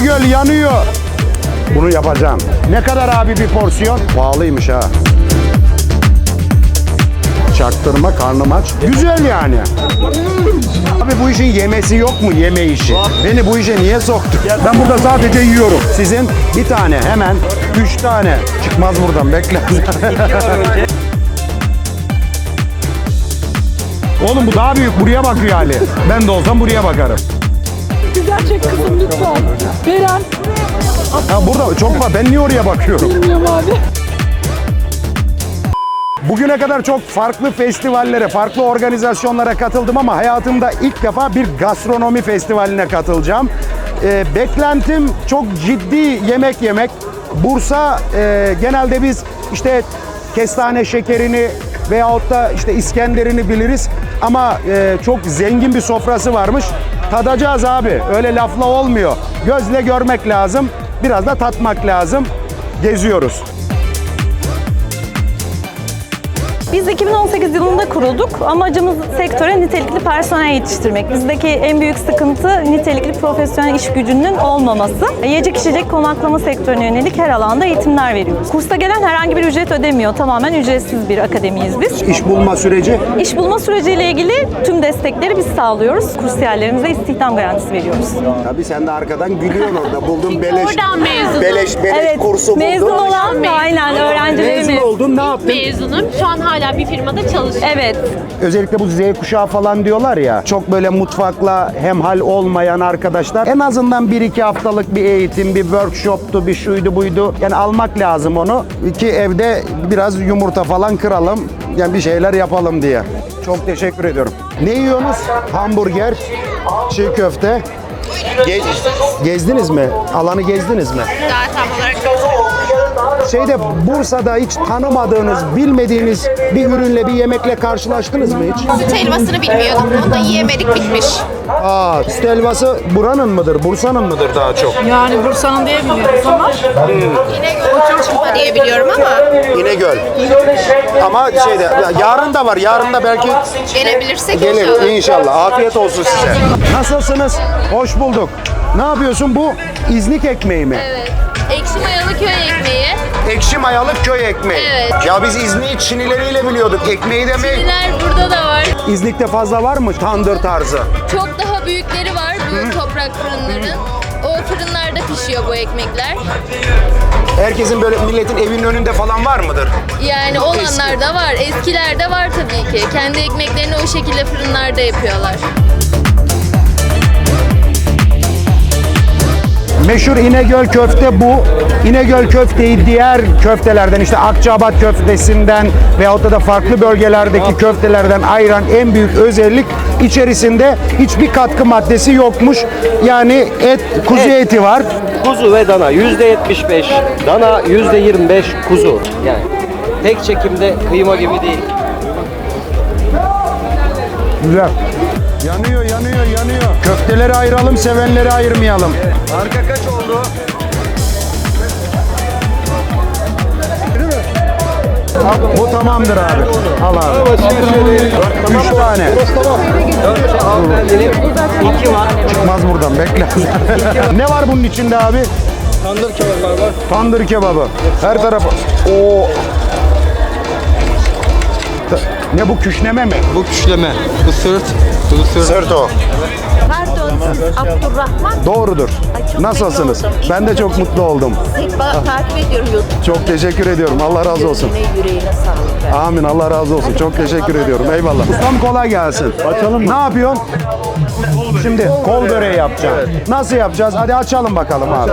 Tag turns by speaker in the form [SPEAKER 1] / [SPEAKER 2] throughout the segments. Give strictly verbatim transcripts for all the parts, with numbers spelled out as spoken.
[SPEAKER 1] İnegöl yanıyor. Bunu yapacağım. Ne kadar abi bir porsiyon? Pahalıymış ha. Çaktırma, karnım aç. Güzel yani. Abi bu işin yemesi yok mu? Yeme işi. Beni bu işe niye soktun? Ben burada sadece yiyorum. Sizin bir tane hemen üç tane. Çıkmaz buradan, bekle. Oğlum bu daha büyük. Buraya bakıyor Ali. Ben de olsam buraya bakarım.
[SPEAKER 2] Güzel çek kızım lütfen. Beren.
[SPEAKER 1] Ha burada çok var. Ben niye oraya bakıyorum?
[SPEAKER 2] Bilmiyorum abi.
[SPEAKER 1] Bugüne kadar çok farklı festivallere, farklı organizasyonlara katıldım ama hayatımda ilk defa bir gastronomi festivaline katılacağım. Ee, beklentim çok ciddi yemek yemek. Bursa e, genelde biz işte kestane şekerini veyahut da işte İskender'ini biliriz ama e, çok zengin bir sofrası varmış. Tadacağız abi. Öyle lafla olmuyor. Gözle görmek lazım. Biraz da tatmak lazım. Geziyoruz.
[SPEAKER 3] Biz iki bin on sekiz yılında kurulduk. Amacımız sektöre nitelikli personel yetiştirmek. Bizdeki en büyük sıkıntı nitelikli profesyonel iş gücünün olmaması. Yiyecek içecek konaklama sektörüne yönelik her alanda eğitimler veriyoruz. Kursa gelen herhangi bir ücret ödemiyor. Tamamen ücretsiz bir akademiyiz biz.
[SPEAKER 1] İş bulma süreci?
[SPEAKER 3] İş bulma süreciyle ilgili tüm destekleri biz sağlıyoruz. Kursiyerlerimize istihdam garantisi veriyoruz.
[SPEAKER 1] Tabii sen de arkadan gülüyorsun orada. Buldum beleş.
[SPEAKER 4] Oradan mezunum.
[SPEAKER 1] Beleş beleş
[SPEAKER 3] Evet,
[SPEAKER 1] kursu buldum.
[SPEAKER 3] mezun olan da aynen öğrencilerimiz.
[SPEAKER 1] Mezun oldun, ne yaptın?
[SPEAKER 4] Mezunum. Şu an hala bir firmada çalışıyorum.
[SPEAKER 3] Evet.
[SPEAKER 1] Özellikle bu Z kuşağı falan diyorlar ya, çok böyle mutfakla hemhal olmayan arkadaşlar en azından bir iki haftalık bir eğitim, bir workshoptu, bir şuydu buydu. Yani almak lazım onu ki evde biraz yumurta falan kıralım, yani bir şeyler yapalım diye. Çok teşekkür ediyorum. Ne yiyorsunuz? Hamburger, çiğ köfte. Ge- gezdiniz mi? Alanı gezdiniz mi?
[SPEAKER 4] Daha tam olarak
[SPEAKER 1] Şeyde Bursa'da hiç tanımadığınız, bilmediğiniz bir ürünle, bir yemekle karşılaştınız mı hiç?
[SPEAKER 4] süt helvasını bilmiyordum. Onu da yiyemedik, bitmiş.
[SPEAKER 1] Aa, süt helvası buranın mıdır, Bursa'nın mıdır daha çok?
[SPEAKER 2] Yani Bursa'nın diye biliyoruz ama.
[SPEAKER 4] İnegöl çırpma diye biliyorum ama
[SPEAKER 1] İnegöl. Ama şeyde, ya yarın da var, yarın da belki
[SPEAKER 4] gelebilirsek
[SPEAKER 1] gelir
[SPEAKER 4] inşallah.
[SPEAKER 1] inşallah. Afiyet olsun size. Nasılsınız? Hoş bulduk. Ne yapıyorsun? Bu İznik ekmeği mi?
[SPEAKER 4] Evet. Ekşi mayalı köy ekmeği.
[SPEAKER 1] Ekşi mayalı köy ekmeği.
[SPEAKER 4] Evet.
[SPEAKER 1] Ya biz İznik'i Çinileriyle biliyorduk. Ekmeği de mi?
[SPEAKER 4] Çiniler burada da var.
[SPEAKER 1] İznik'te fazla var mı tandır tarzı?
[SPEAKER 4] Çok daha büyükleri var bu toprak fırınların. O fırınlarda pişiyor bu ekmekler.
[SPEAKER 1] Herkesin böyle milletin evinin önünde falan var mıdır?
[SPEAKER 4] Yani olanlar da var. Eskiler de var tabii ki. Kendi ekmeklerini o şekilde fırınlarda yapıyorlar.
[SPEAKER 1] Meşhur İnegöl köfte bu. İnegöl köfteyi diğer köftelerden işte Akçaabat köftesinden veyahut da farklı bölgelerdeki köftelerden ayıran en büyük özellik içerisinde hiçbir katkı maddesi yokmuş. Yani et, kuzu
[SPEAKER 5] Et.
[SPEAKER 1] eti var.
[SPEAKER 5] Kuzu ve dana yüzde yetmiş beş, dana yüzde yirmi beş kuzu. Yani tek çekimde kıyma gibi değil.
[SPEAKER 1] Güzel. Yanıyor, yanıyor, yanıyor. Köfteleri ayıralım, sevenleri ayırmayalım.
[SPEAKER 5] Arka kaç oldu?
[SPEAKER 1] Bu tamamdır abi. Al abi. Üç tane.
[SPEAKER 5] dört hanımefendinin iki var.
[SPEAKER 1] Çıkmaz buradan, bekle. Ne var bunun içinde abi?
[SPEAKER 5] Tandır kebaplar var.
[SPEAKER 1] Tandır kebabı. Her tarafı. Oo. Ne bu, küşneme mi?
[SPEAKER 6] Bu küşleme, bu sırt, bu sırt.
[SPEAKER 1] Sırt o.
[SPEAKER 7] Pardon, siz Abdurrahman.
[SPEAKER 1] Doğrudur.
[SPEAKER 7] Ay, çok
[SPEAKER 1] Nasılsınız?
[SPEAKER 7] memnun oldum.
[SPEAKER 1] Ben de çok mutlu oldum.
[SPEAKER 7] Seni ba- takip ediyorum YouTube.
[SPEAKER 1] Çok teşekkür ediyorum. Allah razı olsun.
[SPEAKER 7] Yüreğine, yüreğine sağlık. ver.
[SPEAKER 1] Amin. Allah razı olsun. Çok teşekkür ediyorum. Eyvallah. Ustam kolay gelsin. Açalım mı? Ne yapıyorsun? Şimdi kol böreği yapacağım. Nasıl yapacağız? Hadi açalım bakalım abi.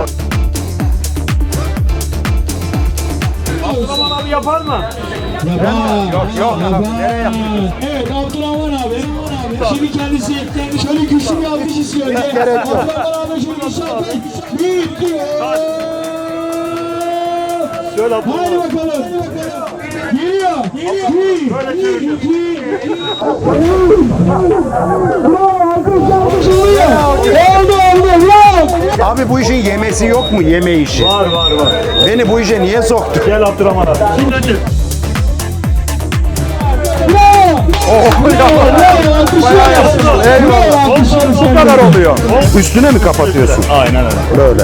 [SPEAKER 8] Abdurrahman abi yapar mı?
[SPEAKER 1] Yok yok. Nereye yapıyorsun?
[SPEAKER 8] Evet Abdurrahman abi. Şimdi kendisi şöyle güçlü bir alkış istiyor.
[SPEAKER 1] Gerek yok.
[SPEAKER 8] Abdurrahman abi şöyle güçlü alkış. Büyük diyor. Şöyle Abdurrahman. Hadi bakalım. Geliyor. Geliyor. Bir, iki, iki. Bravo alkış alkış oluyor. Oldu oldu. Bravo.
[SPEAKER 1] Abi bu işin yemesi yok mu? Yeme işi.
[SPEAKER 8] Var var var.
[SPEAKER 1] Beni bu işe niye soktun?
[SPEAKER 8] Gel Abdurrahman abi. Şimdi önce.
[SPEAKER 1] Oh, ya. Bayağı yaptın. Eyvallah. Bu kadar oldu. oluyor? Üstüne mi kapatıyorsun?
[SPEAKER 9] Aynen öyle.
[SPEAKER 1] Böyle.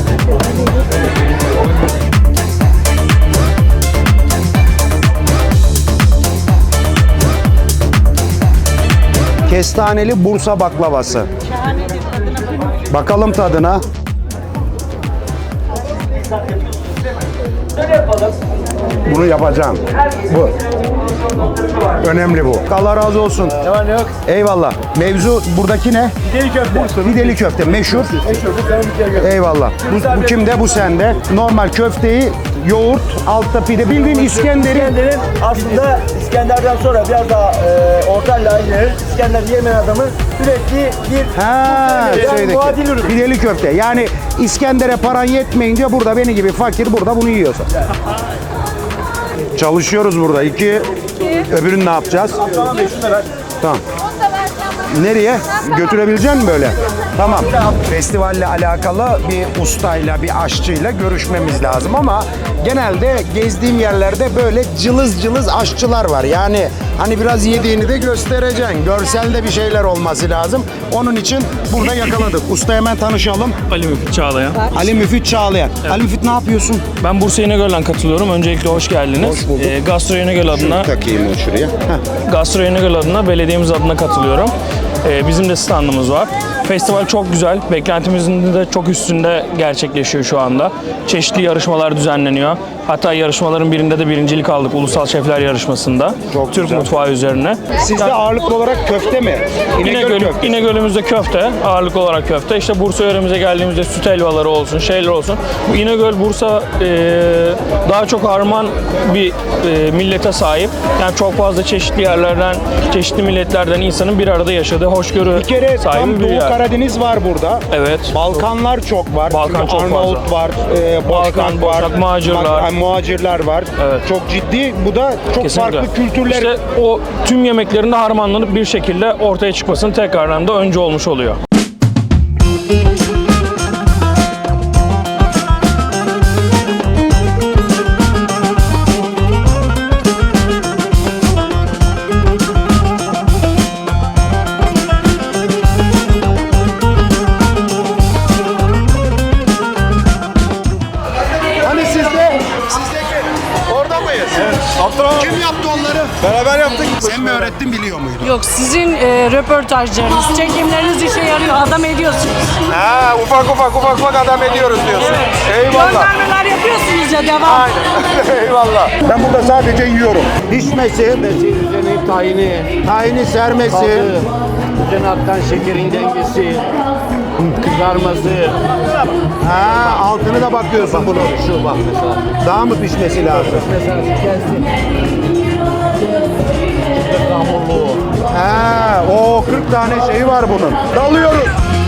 [SPEAKER 1] Kestaneli Bursa baklavası. Bakalım tadına. Bunu yapacağım. Bu. Önemli bu. Allah razı olsun.
[SPEAKER 9] Ne var ne yok?
[SPEAKER 1] Eyvallah. Mevzu buradaki ne?
[SPEAKER 9] Fideli köfte.
[SPEAKER 1] Fideli köfte. Meşhur.
[SPEAKER 9] Meşhur. Bu senin bir köfte.
[SPEAKER 1] Eyvallah. Bu, bu kimde? Bu sende. Normal köfteyi, yoğurt, altta pide. Bildiğin İskender'i.
[SPEAKER 9] İskender'in aslında İskender'den sonra biraz daha e, orta layığı İskender yemeyen adamı sürekli bir
[SPEAKER 1] Ha,
[SPEAKER 9] yani
[SPEAKER 1] şeydeki.
[SPEAKER 9] muadil ürün.
[SPEAKER 1] Pideli köfte. Yani İskender'e paran yetmeyince burada beni gibi fakir burada bunu yiyorsa. Çalışıyoruz burada. İki. Öbürünü ne yapacağız?
[SPEAKER 9] Tamam be, şunu da ver.
[SPEAKER 1] Tamam. Nereye? Götürebilecek misin böyle? Tamam. Festivalle alakalı bir ustayla, bir aşçıyla görüşmemiz lazım ama genelde gezdiğim yerlerde böyle cılız cılız aşçılar var. Yani hani biraz yediğini de göstereceksin. Görselde bir şeyler olması lazım. Onun için burada yakaladık. Usta hemen tanışalım.
[SPEAKER 10] Ali Müfit Çağlayan.
[SPEAKER 1] Ali Müfit Çağlayan. Ali Müfit ne yapıyorsun?
[SPEAKER 10] Ben Bursa İnegöl'den katılıyorum. Öncelikle hoş geldiniz.
[SPEAKER 1] Hoş bulduk.
[SPEAKER 10] Ee, Gastro İnegöl adına,
[SPEAKER 1] Takayım o şuraya. Heh.
[SPEAKER 10] Gastro İnegöl adına belediyemiz adına katılıyorum. Ee, bizim de standımız var. Festival çok güzel. Beklentimizin de çok üstünde gerçekleşiyor şu anda. Çeşitli yarışmalar düzenleniyor. Hatta yarışmaların birinde de birincilik aldık Ulusal Şefler Yarışması'nda.
[SPEAKER 1] Çok
[SPEAKER 10] Türk
[SPEAKER 1] güzel.
[SPEAKER 10] mutfağı üzerine.
[SPEAKER 1] Sizde ağırlıklı olarak köfte mi?
[SPEAKER 10] İnegöl,
[SPEAKER 1] köftesi.
[SPEAKER 10] İnegöl'ümüzde köfte, ağırlıklı olarak köfte. İşte Bursa yöremize geldiğimizde süt helvaları olsun, şeyler olsun. Bu İnegöl, Bursa e, daha çok harman bir e, millete sahip. Yani çok fazla çeşitli yerlerden, çeşitli milletlerden insanın bir arada yaşadığı hoşgörü
[SPEAKER 1] Bir kere
[SPEAKER 10] sahibi
[SPEAKER 1] tam
[SPEAKER 10] bir
[SPEAKER 1] Doğu
[SPEAKER 10] yer.
[SPEAKER 1] Karadeniz var burada.
[SPEAKER 10] Evet.
[SPEAKER 1] Balkanlar çok var.
[SPEAKER 10] Balkan
[SPEAKER 1] Çünkü
[SPEAKER 10] çok
[SPEAKER 1] Arnavut
[SPEAKER 10] fazla.
[SPEAKER 1] var, e, Boşnak
[SPEAKER 10] Balkan,
[SPEAKER 1] var,
[SPEAKER 10] Boşnak, muhacirler.
[SPEAKER 1] Bak- muhacirler var.
[SPEAKER 10] Evet.
[SPEAKER 1] Çok ciddi. Bu da çok
[SPEAKER 10] Kesinlikle.
[SPEAKER 1] farklı kültürler.
[SPEAKER 10] İşte o tüm yemeklerinde harmanlanıp bir şekilde ortaya çıkmasının tekrardan da önce olmuş oluyor.
[SPEAKER 1] Hani sizde? Sizdeki. Orada mıyız? Evet. Kim yaptı onları?
[SPEAKER 6] Beraber yaptık.
[SPEAKER 1] Sen mi öğrettin, biliyor muydun?
[SPEAKER 2] Yok, sizin e, röportajlarınız, çekimleriniz işe yarıyor. Adam ediyorsunuz.
[SPEAKER 1] Ha, ufak ufak ufak ufak adam ediyoruz diyorsun. Eyvallah.
[SPEAKER 2] Göndermeler yapıyorsunuz ya, devam.
[SPEAKER 1] Eyvallah. Ben burada sadece yiyorum. Pişmesi,
[SPEAKER 5] Üzerine tayini,
[SPEAKER 1] tahini sermesi,
[SPEAKER 5] üzerine aktan şekerin dengesi, kızarması.
[SPEAKER 1] ha, altını da bakıyorsun bunu.
[SPEAKER 5] Şu bak mesela.
[SPEAKER 1] Daha mı pişmesi lazım?
[SPEAKER 5] Mesela gelsin. Hamurlu.
[SPEAKER 1] Ha, o kırk tane şeyi var bunun. Dalıyoruz.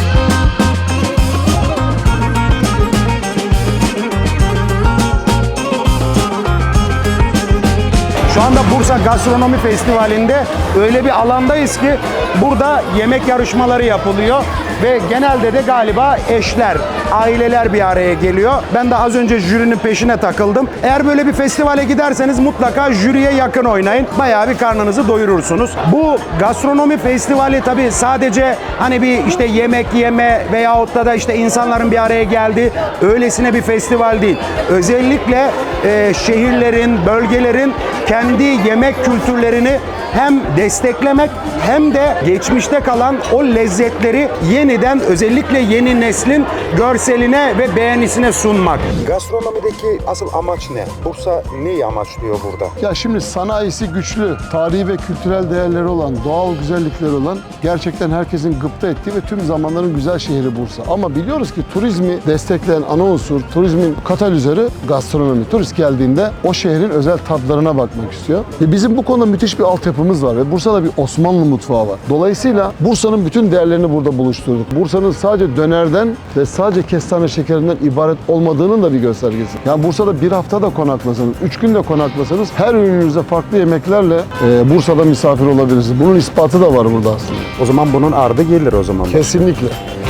[SPEAKER 1] Şu anda Bursa Gastronomi Festivali'nde öyle bir alandayız ki burada yemek yarışmaları yapılıyor ve genelde de galiba eşler, aileler bir araya geliyor. Ben de az önce jürinin peşine takıldım. Eğer böyle bir festivale giderseniz mutlaka jüriye yakın oynayın. Bayağı bir karnınızı doyurursunuz. Bu gastronomi festivali tabii sadece hani bir işte yemek yeme veyahut da da işte insanların bir araya geldiği öylesine bir festival değil. Özellikle e, şehirlerin, bölgelerin kendi yemek kültürlerini hem desteklemek hem de geçmişte kalan o lezzetleri yeniden özellikle yeni neslin görseline ve beğenisine sunmak. Gastronomideki asıl amaç ne? Bursa neyi amaçlıyor burada?
[SPEAKER 11] Ya şimdi sanayisi güçlü, tarihi ve kültürel değerleri olan, doğal güzellikleri olan gerçekten herkesin gıpta ettiği ve tüm zamanların güzel şehri Bursa. Ama biliyoruz ki turizmi destekleyen ana unsur, turizmin katalizörü gastronomi. Turist geldiğinde o şehrin özel tatlarına bakmak istiyor. Ve bizim bu konuda müthiş bir altyapımız var ve Bursa'da bir Osmanlı mutfağı var. Dolayısıyla Bursa'nın bütün değerlerini burada buluşturduk. Bursa'nın sadece dönerden ve sadece kestane şekerinden ibaret olmadığının da bir göstergesi. Yani Bursa'da bir hafta da konaklasanız, üç gün de konaklasanız her ürününüzde farklı yemeklerle e, Bursa'da misafir olabilirsiniz. Bunun ispatı da var burada aslında.
[SPEAKER 1] O zaman bunun ardı gelir o zaman.
[SPEAKER 11] Kesinlikle.